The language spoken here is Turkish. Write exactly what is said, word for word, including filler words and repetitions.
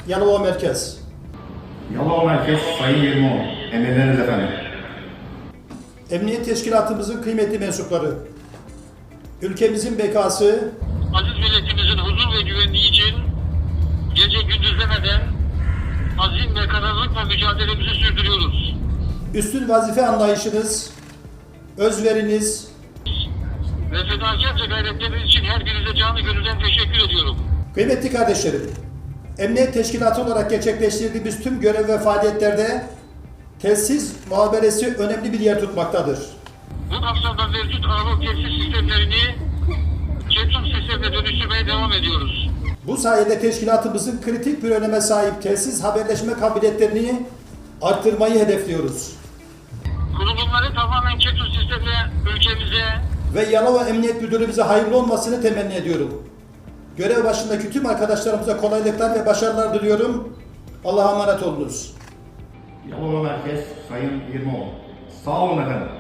Yalova Merkez. Yalova Merkez Sayın Yirmioğlu. Emredersiniz efendim. Emniyet Teşkilatımızın kıymetli mensupları, ülkemizin bekası, aziz milletimizin huzur ve güvenliği için gece gündüz demeden azim ve kararlılıkla mücadelemizi sürdürüyoruz. üstün vazife anlayışınız, özveriniz, Ve fedakarca gayretleriniz için her birinize canı gönülden teşekkür ediyorum. kıymetli kardeşlerim, Emniyet Teşkilatı olarak gerçekleştirdiğimiz tüm görev ve faaliyetlerde telsiz muhaberesi önemli bir yer tutmaktadır. Bu kapsamda mevcut analog telsiz sistemlerini Çetum sistemine dönüştürmeye devam ediyoruz. Bu sayede teşkilatımızın kritik bir öneme sahip telsiz haberleşme kabiliyetlerini arttırmayı hedefliyoruz. Kurulumları tamamen Çetum sistemine ülkemize Ve Yalova Emniyet Müdürümüze hayırlı olmasını temenni ediyorum. Görev başındaki tüm arkadaşlarımıza kolaylıklar ve başarılar diliyorum. Allah'a emanet olunuz. Yalova Merkez Sayın Yirmioğlu. Sağ olun efendim.